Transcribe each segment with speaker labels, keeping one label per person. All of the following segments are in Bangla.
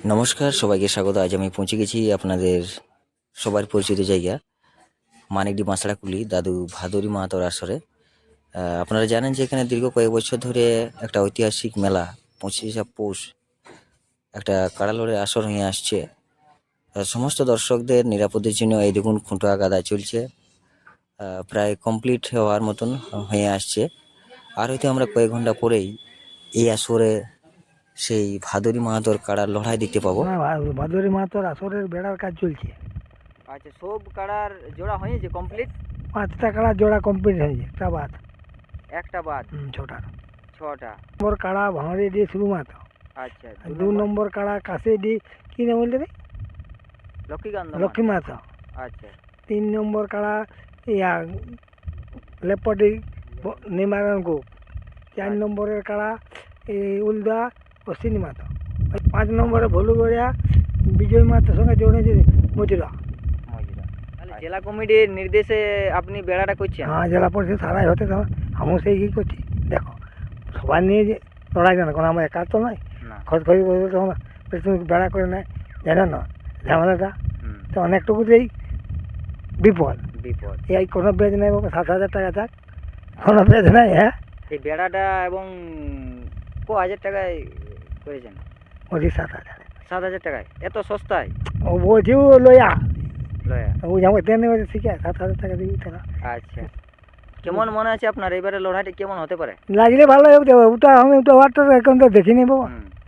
Speaker 1: নমস্কার, সবাইকে স্বাগত। আজ আমি পৌঁছে গেছি আপনাদের সবার পরিচিত জায়গা মানিকডি বাঁশড়াকুলি দাদু ভাদুরী মাহাতোর আসরে। আপনারা জানেন যে এখানে দীর্ঘ কয়েক বছর ধরে একটা ঐতিহাসিক মেলা 25শে পৌষ একটা কাড়ালোড়ের আসর হয়ে আসছে। সমস্ত দর্শকদের নিরাপদের জন্য এই দেখুন খুঁটা গাদা চলছে, প্রায় কমপ্লিট হওয়ার মতন হয়ে আসছে। আর হয়তো আমরা কয়েক ঘন্টা পরেই এই আসরে সেই ভাদুরী মাহাতোর কাড়ার লড়াই দেখতে পাবো।
Speaker 2: ভাদুরী মাহাতোর আসরের বেড়ার কাজ চলছে।
Speaker 1: আচ্ছা, সব কাড়ার জোড়া হয়েছে কমপ্লিট?
Speaker 2: 5টা কাড়া জোড়া কমপ্লিট হয়েছে,
Speaker 1: একটা বাদ
Speaker 2: ছটার।
Speaker 1: 6টা।
Speaker 2: নম্বর কাড়া ভাঁড়ে দিয়ে শুরু মাতো।
Speaker 1: আচ্ছা,
Speaker 2: 2 নম্বর কাড়া কাছে দিয়ে কি নাম বলতে রে, লক্ষ্মী মাতো।
Speaker 1: আচ্ছা
Speaker 2: 3 নম্বর কাড়া ইয়া লেপটি নিমারণ গোপ। 4 নম্বরের কাড়া এই উলদা অশ্বিনী মাতো। 5 নম্বরে ভলুগড়িয়া বিজয় মাতার সঙ্গে জড়িয়েছে মজুরা।
Speaker 1: তাহলে জেলা কমিটির নির্দেশে আপনি বেড়াটা করছেন?
Speaker 2: হ্যাঁ, জেলা পরিষদ সারাই হতে তো আমিও সেই কী করছি। দেখো, সবাই নিয়ে যে লড়াই জানো, কারণ আমার একা তো নয়। খোঁজ করে তখন তুমি বেড়া করে নেয়, জানো না ঝামেলাটা তো অনেকটুকুতেই বিপদ। এই কোনো বেজ নেই বাবা, 7,000 টাকা থাক, কোনো বেজ নাই। হ্যাঁ,
Speaker 1: এই বেড়াটা এবং হাজার টাকায় করেছেন?
Speaker 2: ওই 7,000।
Speaker 1: 7,000 টাকায়? এত সস্তায়?
Speaker 2: ও বলছি ও লয়া
Speaker 1: লয়া।
Speaker 2: ও যেমন তেমনি বলছে শিখে 7,000 টাকা দিবি টাকা।
Speaker 1: আচ্ছা, কেমন মনে আছে আপনার এবারে লড়াইটা কেমন হতে পারে?
Speaker 2: লাগলে ভালো হোক, দেবো ওটা আমি তো ওয়ারটা এখন তো দেখিনি বাবা।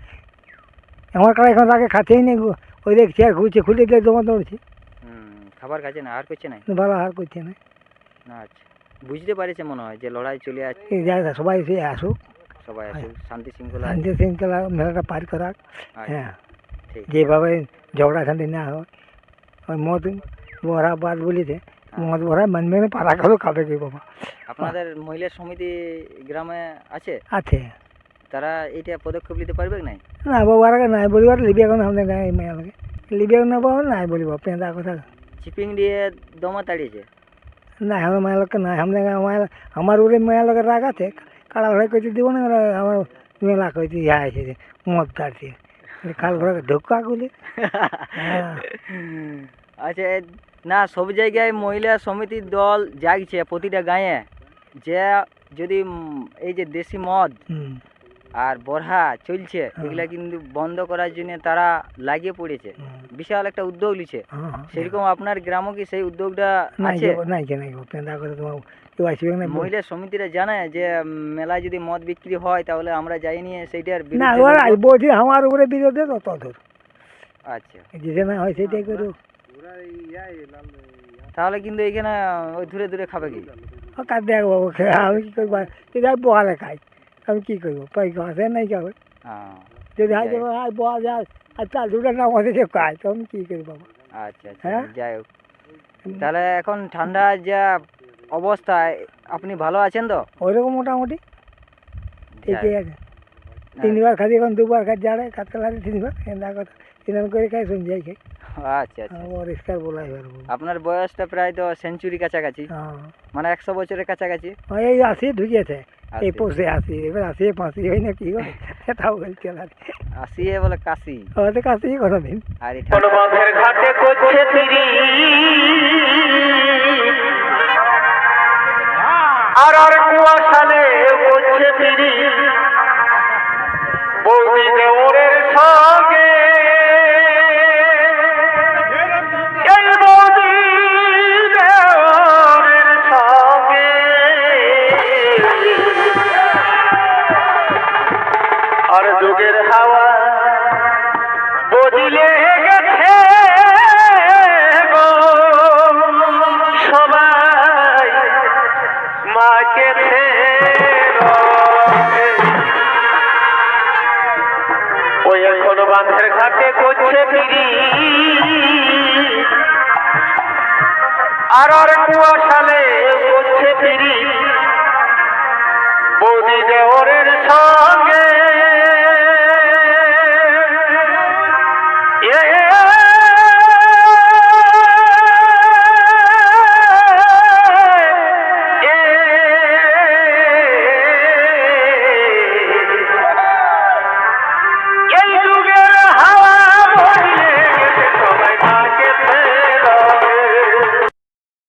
Speaker 2: আমার কারা এখন আগে খাতেই নেই, ওই দেখ চেয়ার ঘুরছে, খুলে দিয়ে জমা দৌড়ছি।
Speaker 1: খাবার খাচ্ছে না, আর করছে না?
Speaker 2: ভালো হার করছে না।
Speaker 1: আচ্ছা, বুঝতে পারছে মনে হয় যে লড়াই চলে আসছে।
Speaker 2: সবাই এসে আসুক,
Speaker 1: সবাই আসুক, শান্তি
Speaker 2: শৃঙ্খলা মেলাটা পার করাক। হ্যাঁ,
Speaker 1: ঠিক।
Speaker 2: যেভাবে ঝগড়া ঝাঁটি না হয়। ওই মদ ভরা বাদ বলিতে মদ ভরা মানবে না, পাড়া খালো খাবে কি বাবা।
Speaker 1: আপনাদের মহিলা সমিতি গ্রামে আছে?
Speaker 2: আছে।
Speaker 1: তারা এইটা পদক্ষেপ নিতে পারবে নাই?
Speaker 2: না বাবা, নাই বলিবার লিবি এখন আমাদের গায়ে মেয়া লাগে, লিবি এখন বাবা নাই বলিব পেঁদা কথা।
Speaker 1: চিপিং দিয়ে দমা তাড়িয়েছে
Speaker 2: না, আমার মায়ের লোককে নাই, আমাদের গায়ে আমার উড়ে মায়ের লোকের রাগ আছে। কাড়া ঘরে কইতে দিব না, আমার মেলা কইতে ইয়া আছে যে মদ কাটছে কাল ঘরে ঢোকা গুলি।
Speaker 1: আচ্ছা, না সব জায়গায় মহিলা সমিতির দল জাগছে প্রতিটা গাঁয়ে, যে যদি এই যে দেশি মদ আর বরহা চলছে এগুলা কিন্তু বন্ধ করার জন্য তারা লাগিয়ে পড়েছে, বিশাল একটা উদ্যোগ নিচ্ছে। সেরকম আপনার গ্রামও কি সেই উদ্যোগটা আছে? মহিলা সমিতিরা জানায় যে মেলায় যদি মদ বিক্রি হয় তাহলে আমরা যাই নিয়ে সেইটার
Speaker 2: বলছি আমার উপরে বিরোধে তত দূর।
Speaker 1: আচ্ছা,
Speaker 2: যেটা না হয় সেটাই করু।
Speaker 1: তাহলে কিন্তু এখানে ওই দূরে দূরে খাবে কি?
Speaker 2: কার দেখ বাবু, আমি কি করবো, যদি আমি বহালে খাই আমি কি করবো, পয়সা আছে নাই খাবে। যদি হাই দেবো হাই বহা যায় আর চাল দুটো না আমাদের যে খাই, তো আমি কী করি বাবা।
Speaker 1: আচ্ছা আচ্ছা, যাই হোক, তাহলে এখন ঠান্ডা যা অবস্থায় আপনি ভালো আছেন তো?
Speaker 2: ওইরকম মোটামুটি ঠিকই আছে। 3বার খাই, এখন 2বার খাই, জাড়ে কাতলা লাগে 3বার, কথা স্নান করে খাই, শুন যাই খাই।
Speaker 1: আচ্ছা আচ্ছা,
Speaker 2: পরিষ্কার বলাই পারবো।
Speaker 1: আপনার বয়সটা প্রায় তো সেঞ্চুরি কাছাকাছি, মানে 100 বছরের কাছাকাছি।
Speaker 2: এই 80 ঢুকিয়েছে, এই পৌষে 80, এবার 80 ফাঁসি হয় না কি হয় সেটাও বলছে।
Speaker 1: 80 বলে কাশি,
Speaker 2: হয়তো কাশি কোনোদিন।
Speaker 1: আর
Speaker 3: ঘাটে করছে ফিরি আর কুয়াশালে করছে ফিরি বৌদি দেওরের সঙ্গে, এই বৌদি দেওরের সঙ্গে আর যুগের হাওয়া বদিলে গেছে গো, সবাই মাকে ওই এখন বাঁধের ঘাটে করছে ফিরি আর কুয়াশালে করছে ফিরি বৌদি দেওরের সঙ্গে।